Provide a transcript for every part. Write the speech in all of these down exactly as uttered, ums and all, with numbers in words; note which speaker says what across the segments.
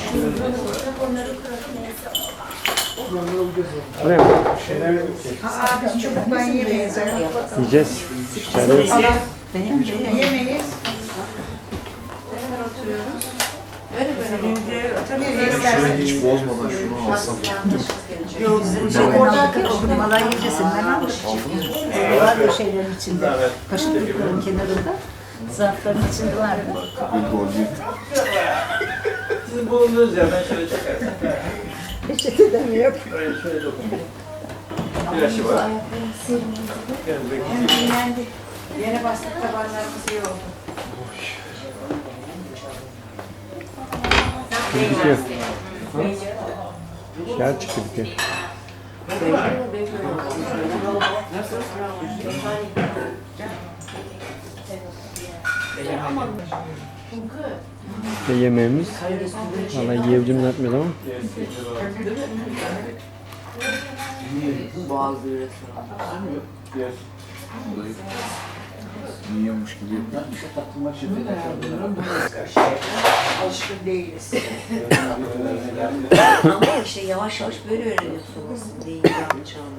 Speaker 1: Buraya mı?
Speaker 2: Aa, biz çubuktan yemeyiz.
Speaker 1: Yiyeceğiz. İçerideyiz.
Speaker 2: Yemeyiz.
Speaker 3: Şöyle hiç bozmadan şunu alsam.
Speaker 2: Yok, oradaki okumalar gecesinden aldık. Ee, var ya şeylerin içinde, kaşıklıkların kenarında, zarfların içinde vardı.
Speaker 3: Bir gol bir.
Speaker 4: Siz bulundunuz ya ben şöyle çekerim.
Speaker 2: Peçete de mi yok?
Speaker 4: Şöyle şöyle dokunayım. Bir aşı var. Gel bekleyin.
Speaker 2: Dinlendi. Yere bastık tabanlarımız iyi oldu.
Speaker 1: Bitiyor. Şer çıktı bitiyor. Ve yemeğimiz. Vallahi yiyebileceğimiz atmıyor ama.
Speaker 5: Boğaz bir restoran.
Speaker 3: Yiyormuş gibi yapıyor.
Speaker 2: Alışkın değiliz.
Speaker 5: Ama işte yavaş yavaş böyle öğreniyorsun nasıl değil yapacağını.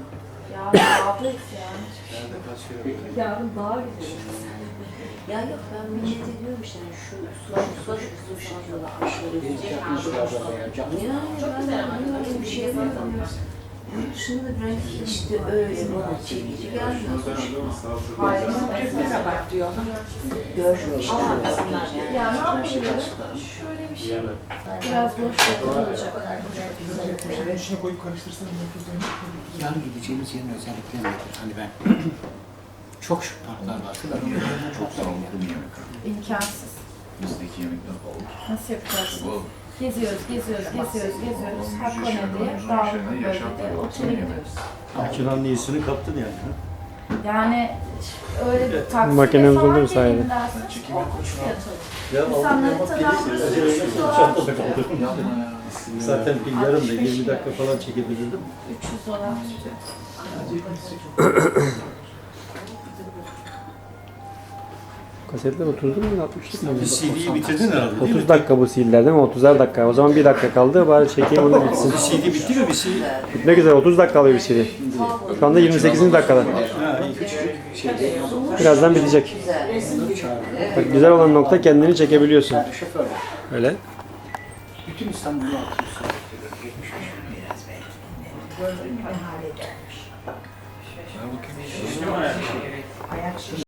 Speaker 5: Ya yok ben millet ediyorum işte şu su şu su şu su şekilde aşırı gidecek. Ya ben öyle bir şey yapmadım. Yurt dışında da ben hiç de öyle bana çekici gelmiyor.
Speaker 2: Hayır, Türklere bak diyor.
Speaker 5: Görmüş ama insanlar yani.
Speaker 6: Ya ne yapabilirim? Şöyle bir şey. Biraz boş olacak.
Speaker 3: İçine koyup karıştırsan
Speaker 7: Yarın gideceğimiz yerin özellikleri nedir? Hani ben çok şık parklar var.
Speaker 3: çok sağlıklı bir yemek.
Speaker 6: İmkansız.
Speaker 3: Bizdeki yemekler pahalı.
Speaker 6: Nasıl yapacağız?
Speaker 3: Bu
Speaker 6: Geziyoruz, geziyoruz, geziyoruz, geziyoruz. Hakkone'de, dağlık bölgede otele gidiyoruz.
Speaker 8: Makinenin iyisini kaptın yani.
Speaker 6: Yani öyle taksiyle
Speaker 1: Makinemiz
Speaker 6: falan
Speaker 1: olur sayede.
Speaker 6: gelin derseniz korkunç fiyatı.
Speaker 8: Ya
Speaker 6: İnsanların
Speaker 8: aldım
Speaker 6: tadallığı
Speaker 8: gelirse
Speaker 6: dolar,
Speaker 8: çantada kaldı.
Speaker 3: yapma ya.
Speaker 8: Zaten bir yarım da yirmi dakika falan çekebilirdim.
Speaker 6: üç yüz dolar.
Speaker 1: Kasetler otuzlu mu altmışlık mı?
Speaker 8: Bir C D'yi bitirdin herhalde değil mi?
Speaker 1: otuz dakika bu siller değil mi? otuzar dakika. O zaman bir dakika kaldı. Bari çekeyim onu bitsin.
Speaker 8: Bir C D bitti mi bir C D?
Speaker 1: Bitmek üzere otuz dakika alıyor bir C D. Şu anda yirmi sekizinci dakikada.
Speaker 8: Ha iyi.
Speaker 1: Birazdan bitecek. Bak, güzel olan nokta kendini çekebiliyorsun.
Speaker 7: Şoför var.
Speaker 1: Öyle.
Speaker 7: Bütün İstanbul'u atıyorsun. Geçmiş biraz belki.
Speaker 2: Ayak